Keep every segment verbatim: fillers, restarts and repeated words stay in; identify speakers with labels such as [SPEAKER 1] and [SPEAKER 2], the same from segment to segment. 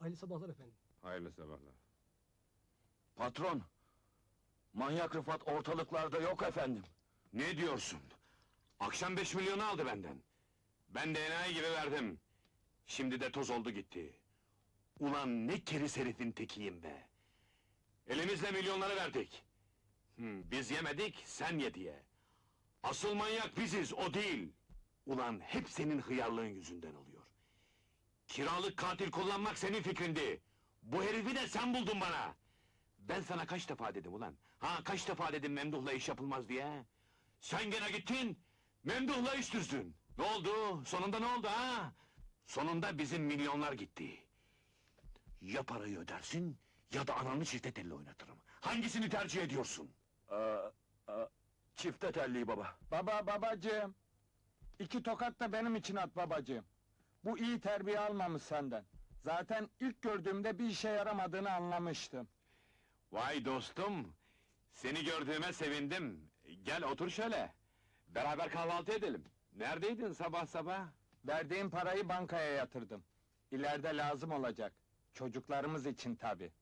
[SPEAKER 1] Hayırlı sabahlar efendim.
[SPEAKER 2] Hayırlı sabahlar.
[SPEAKER 3] Patron! Manyak Rıfat ortalıklarda yok efendim.
[SPEAKER 2] Ne diyorsun? Akşam beş milyonu aldı benden. Ben de enayi gibi verdim. Şimdi de toz oldu gitti. Ulan ne keriz herifin tekiyim be! Elimizle milyonları verdik. Hmm, biz yemedik, sen ye diye. Asıl manyak biziz, o değil! Ulan hep senin hıyarlığın yüzünden oluyor. Kiralık katil kullanmak senin fikrindi. Bu herifi de sen buldun bana! Ben sana kaç defa dedim ulan? Ha, kaç defa dedim Memduh'la iş yapılmaz diye? Sen gene gittin, Memduh'la iş düzdün! Ne oldu? Sonunda ne oldu ha? Sonunda bizim milyonlar gitti. Ya parayı ödersin, ya da ananı çifte telli oynatırım. Hangisini tercih ediyorsun?
[SPEAKER 3] Aa, aa, çifte telli baba.
[SPEAKER 4] Baba, babacığım! İki tokat da benim için at babacığım. Bu iyi terbiye almamış senden. Zaten ilk gördüğümde bir işe yaramadığını anlamıştım.
[SPEAKER 2] Vay dostum! Seni gördüğüme sevindim. Gel otur şöyle. Beraber kahvaltı edelim. Neredeydin sabah sabah?
[SPEAKER 4] Verdiğim parayı bankaya yatırdım. İleride lazım olacak. Çocuklarımız için tabi.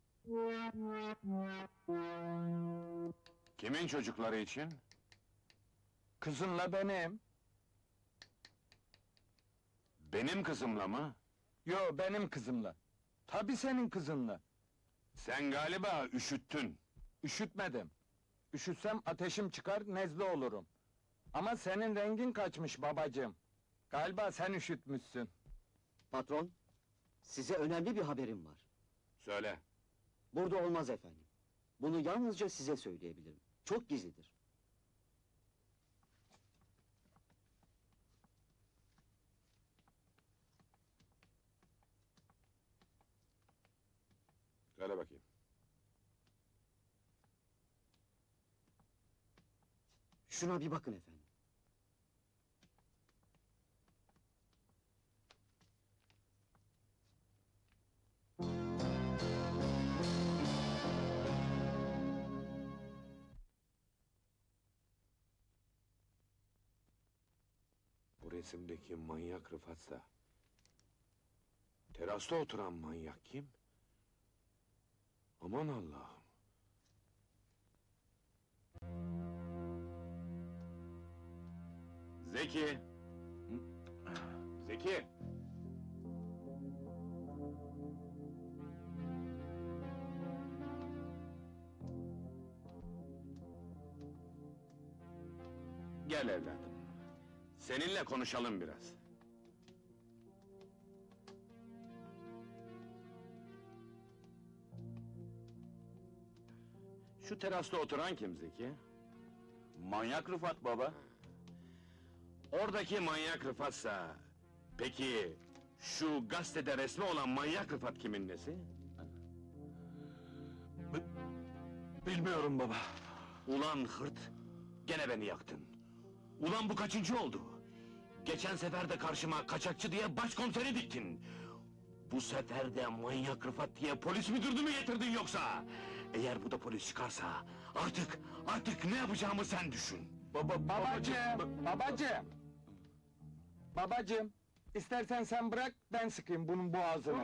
[SPEAKER 2] Kimin çocukları için?
[SPEAKER 4] Kızınla benim.
[SPEAKER 2] Benim kızımla mı?
[SPEAKER 4] Yo, benim kızımla. Tabi senin kızınla.
[SPEAKER 2] Sen galiba üşüttün.
[SPEAKER 4] Üşütmedim. Üşütsem ateşim çıkar, nezle olurum. Ama senin rengin kaçmış babacığım. Galiba sen üşütmüşsün.
[SPEAKER 5] Patron, size önemli bir haberim var.
[SPEAKER 2] Söyle.
[SPEAKER 5] Burada olmaz efendim. Bunu yalnızca size söyleyebilirim. Çok gizlidir.
[SPEAKER 2] Söyle bakayım.
[SPEAKER 5] Şuna bir bakın efendim.
[SPEAKER 2] Bu resimdeki manyak Rıfat'sa... terasta oturan manyak kim? Aman Allah'ım! Zeki! Zeki! Gel evladım. Seninle konuşalım biraz. Şu terasta oturan kim Zeki?
[SPEAKER 3] Manyak Rıfat baba.
[SPEAKER 2] Oradaki manyak Rıfat'sa... peki... şu gazetede resmi olan manyak Rıfat kimin nesi?
[SPEAKER 3] Bilmiyorum baba.
[SPEAKER 2] Ulan hırt! Gene beni yaktın! Ulan bu kaçıncı oldu? Geçen sefer de karşıma kaçakçı diye başkomiseri diktin! Bu sefer de manyak Rıfat diye polis müdürlüğü mü getirdin yoksa? Eğer bu da polis çıkarsa... artık, artık ne yapacağımı sen düşün!
[SPEAKER 4] Baba, babacığım, babacığım! Babacığım, istersen sen bırak, ben sıkayım bunun boğazını.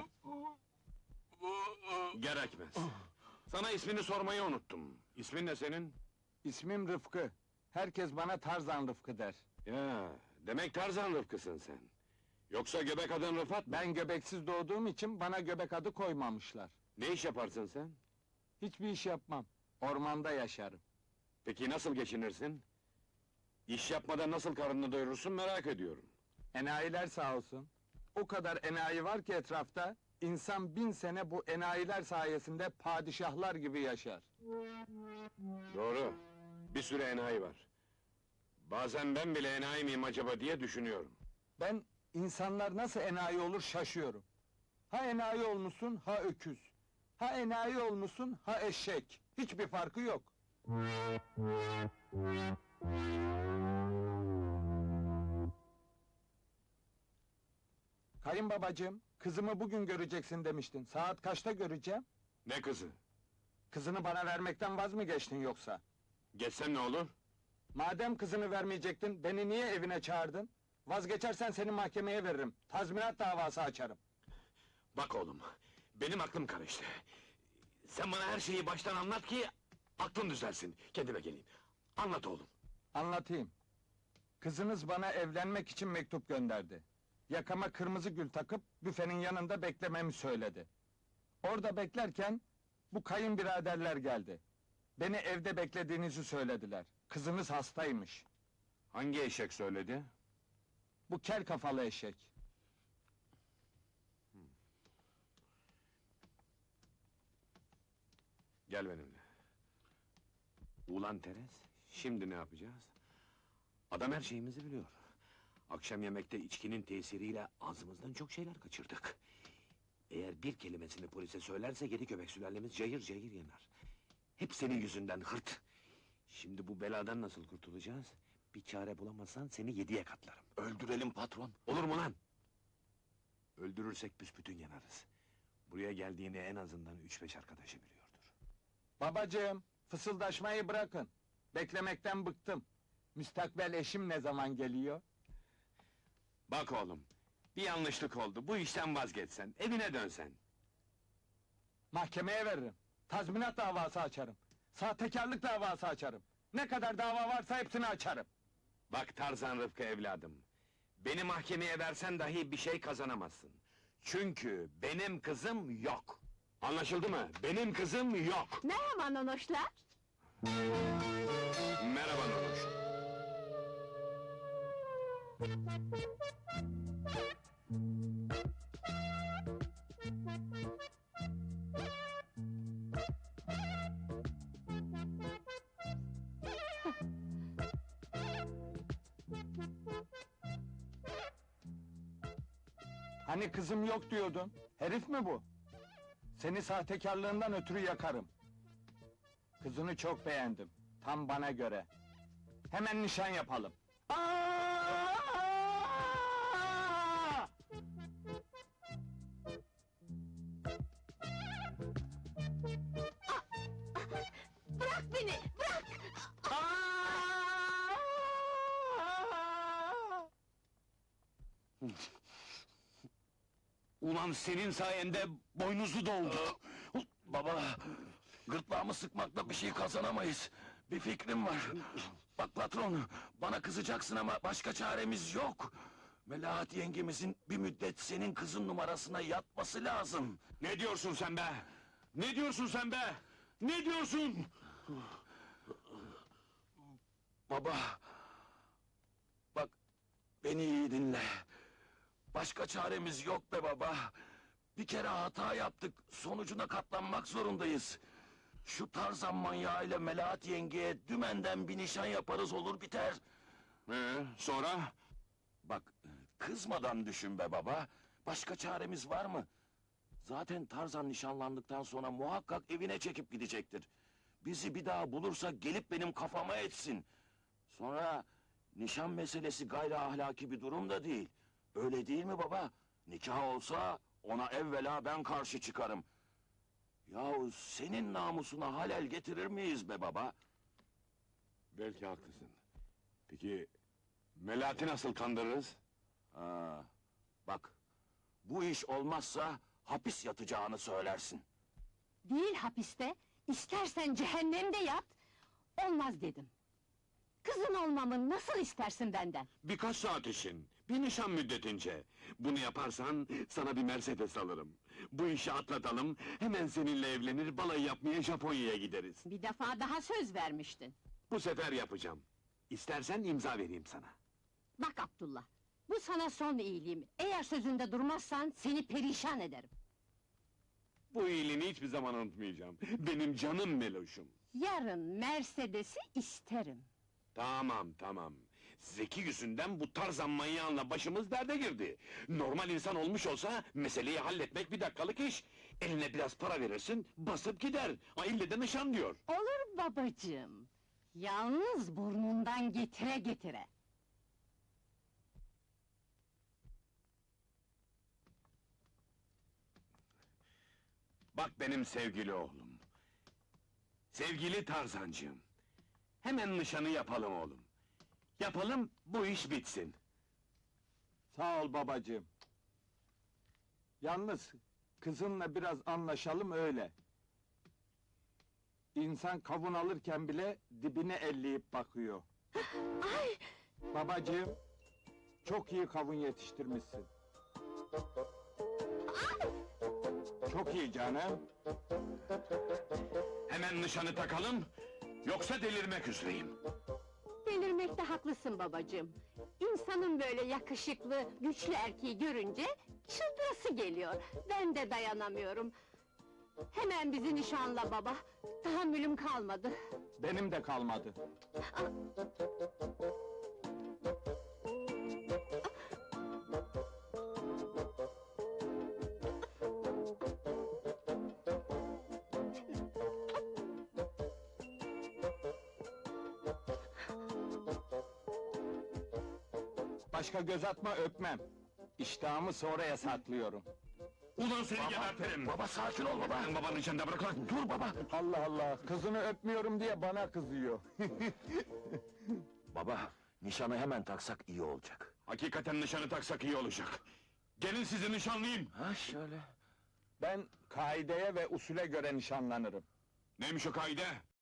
[SPEAKER 2] Gerekmez! Sana ismini sormayı unuttum. İsmin ne senin?
[SPEAKER 4] İsmim Rıfkı. Herkes bana Tarzan Rıfkı der.
[SPEAKER 2] Ya, demek Tarzan Rıfkısın sen. Yoksa göbek adın Rıfat mı?
[SPEAKER 4] Ben göbeksiz doğduğum için bana göbek adı koymamışlar.
[SPEAKER 2] Ne iş yaparsın sen?
[SPEAKER 4] Hiçbir iş yapmam. Ormanda yaşarım.
[SPEAKER 2] Peki nasıl geçinirsin? İş yapmadan nasıl karnını doyurursun merak ediyorum.
[SPEAKER 4] Enayiler sağ olsun. O kadar enayi var ki etrafta, insan bin sene bu enayiler sayesinde padişahlar gibi yaşar.
[SPEAKER 2] Doğru, bir sürü enayi var. Bazen ben bile enayi miyim acaba diye düşünüyorum.
[SPEAKER 4] Ben insanlar nasıl enayi olur şaşıyorum. Ha enayi olmuşsun, ha öküz. Ha enayi olmuşsun, ha eşek. Hiçbir farkı yok. Kayınbabacığım, kızımı bugün göreceksin demiştin. Saat kaçta göreceğim?
[SPEAKER 2] Ne kızı?
[SPEAKER 4] Kızını bana vermekten vaz mı geçtin yoksa?
[SPEAKER 2] Geçsem ne olur?
[SPEAKER 4] Madem kızını vermeyecektin, beni niye evine çağırdın? Vazgeçersen seni mahkemeye veririm. Tazminat davası açarım.
[SPEAKER 2] Bak oğlum, Benim aklım karıştı. Sen bana her şeyi baştan anlat ki aklım düzelsin. Kendime geleyim. Anlat oğlum.
[SPEAKER 4] Anlatayım. Kızınız bana evlenmek için mektup gönderdi. Yakama kırmızı gül takıp büfenin yanında beklememi söyledi. Orada beklerken bu kayınbiraderler geldi. Beni evde beklediğinizi söylediler. Kızınız hastaymış.
[SPEAKER 2] Hangi eşek söyledi?
[SPEAKER 4] Bu kel kafalı eşek.
[SPEAKER 2] Gel benimle. Ulan Teres, şimdi ne yapacağız? Adam her şeyimizi biliyor. Akşam yemekte içkinin tesiriyle ağzımızdan çok şeyler kaçırdık. Eğer bir kelimesini polise söylerse yedi köpek sülalemiz cayır cayır yanar. Hep senin yüzünden hırt! Şimdi bu beladan nasıl kurtulacağız? Bir çare bulamazsan seni yediye katlarım.
[SPEAKER 3] Öldürelim patron.
[SPEAKER 2] Olur mu lan? Öldürürsek büsbütün yanarız. Buraya geldiğini en azından üç beş arkadaşı biliyordur.
[SPEAKER 4] Babacığım, fısıldaşmayı bırakın. Beklemekten bıktım. Müstakbel eşim ne zaman geliyor?
[SPEAKER 2] Bak oğlum, bir yanlışlık oldu. Bu işten vazgeçsen, evine dönsen.
[SPEAKER 4] Mahkemeye veririm. Tazminat davası açarım. Sahtekarlık davası açarım. Ne kadar dava varsa hepsini açarım.
[SPEAKER 2] Bak Tarzan Rıfkı evladım. Beni mahkemeye versen dahi bir şey kazanamazsın. Çünkü benim kızım yok. Anlaşıldı mı? Benim kızım yok.
[SPEAKER 1] Merhaba nonoşlar.
[SPEAKER 2] Merhaba Nonuş.
[SPEAKER 4] Hani kızım yok diyordun? Herif mi bu? Seni sahtekarlığından ötürü yakarım. Kızını çok beğendim. Tam bana göre. Hemen nişan yapalım. Aa!
[SPEAKER 1] Bırak beni, bırak!
[SPEAKER 4] Aa!
[SPEAKER 2] Ulan senin sayende boynuzlu doldu.
[SPEAKER 3] Baba, gırtlağımı sıkmakla bir şey kazanamayız. Bir fikrim var. Bak patron, bana kızacaksın ama başka çaremiz yok. Melahat yengemizin bir müddet senin kızın numarasına yatması lazım.
[SPEAKER 2] Ne diyorsun sen be? Ne diyorsun sen be? Ne diyorsun?
[SPEAKER 3] Baba, bak beni iyi dinle. Başka çaremiz yok be baba. Bir kere hata yaptık, sonucuna katlanmak zorundayız. Şu Tarzan manyağıyla Melahat yengeye dümenden bir nişan yaparız olur biter.
[SPEAKER 2] Ee, sonra?
[SPEAKER 3] Bak, kızmadan düşün be baba. Başka çaremiz var mı? Zaten Tarzan nişanlandıktan sonra muhakkak evine çekip gidecektir. Bizi bir daha bulursa gelip benim kafama etsin. Sonra nişan meselesi gayri ahlaki bir durum da değil. Öyle değil mi baba? Nikah olsa ona evvela ben karşı çıkarım. Yahu senin namusuna halel getirir miyiz be baba?
[SPEAKER 2] Belki haklısın. Peki, Melahat'i nasıl kandırırız?
[SPEAKER 3] Ha, bak, bu iş olmazsa hapis yatacağını söylersin.
[SPEAKER 1] Değil hapiste, istersen cehennemde yat, olmaz dedim. Kızın olmamı nasıl istersin benden?
[SPEAKER 2] Birkaç saat için, bir nişan müddetince. Bunu yaparsan sana bir Mercedes alırım. Bu işi atlatalım, hemen seninle evlenir, balayı yapmaya Japonya'ya gideriz.
[SPEAKER 1] Bir defa daha söz vermiştin.
[SPEAKER 2] Bu sefer yapacağım. İstersen imza vereyim sana.
[SPEAKER 1] Bak Abdullah, bu sana son iyiliğim. Eğer sözünde durmazsan seni perişan ederim.
[SPEAKER 2] Bu iyiliğini hiçbir zaman unutmayacağım. Benim canım Meloş'um.
[SPEAKER 1] Yarın Mercedes'i isterim.
[SPEAKER 2] Tamam, tamam. Zeki yüzünden bu Tarzan manyağınla başımız derde girdi. Normal insan olmuş olsa, meseleyi halletmek bir dakikalık iş. Eline biraz para verirsin, basıp gider. Ha, ille de nişan diyor.
[SPEAKER 1] Olur babacığım. Yalnız burnundan getire getire.
[SPEAKER 2] Bak benim sevgili oğlum. Sevgili Tarzancığım. Hemen nişanı yapalım oğlum. Yapalım, bu iş bitsin.
[SPEAKER 4] Sağ ol babacığım. Yalnız Kızınla biraz anlaşalım öyle. İnsan kavun alırken bile dibine elleyip bakıyor.
[SPEAKER 1] Ay!
[SPEAKER 4] Babacığım, çok iyi kavun yetiştirmişsin. Çok iyi canım.
[SPEAKER 2] Hemen nişanı takalım, yoksa delirmek üzereyim.
[SPEAKER 1] Delirmekte haklısın babacığım. İnsanın böyle yakışıklı, güçlü erkeği görünce çıldırası geliyor. Ben de dayanamıyorum. Hemen bizi nişanla baba. Tahammülüm kalmadı.
[SPEAKER 4] Benim de kalmadı. Başka göz atma, öpmem. İştahımı sonraya saklıyorum.
[SPEAKER 2] Ulan seni gebertirim!
[SPEAKER 3] Baba sakin ol baba.
[SPEAKER 2] Sen babanın içinde bırak lan!
[SPEAKER 3] Dur baba.
[SPEAKER 4] Allah Allah, kızını öpmüyorum diye bana kızıyor.
[SPEAKER 3] Baba, nişanı hemen taksak iyi olacak.
[SPEAKER 2] Hakikaten nişanı taksak iyi olacak. Gelin sizi nişanlayayım!
[SPEAKER 3] Ha şöyle.
[SPEAKER 4] Ben kaideye ve usule göre nişanlanırım.
[SPEAKER 2] Neymiş o kaide?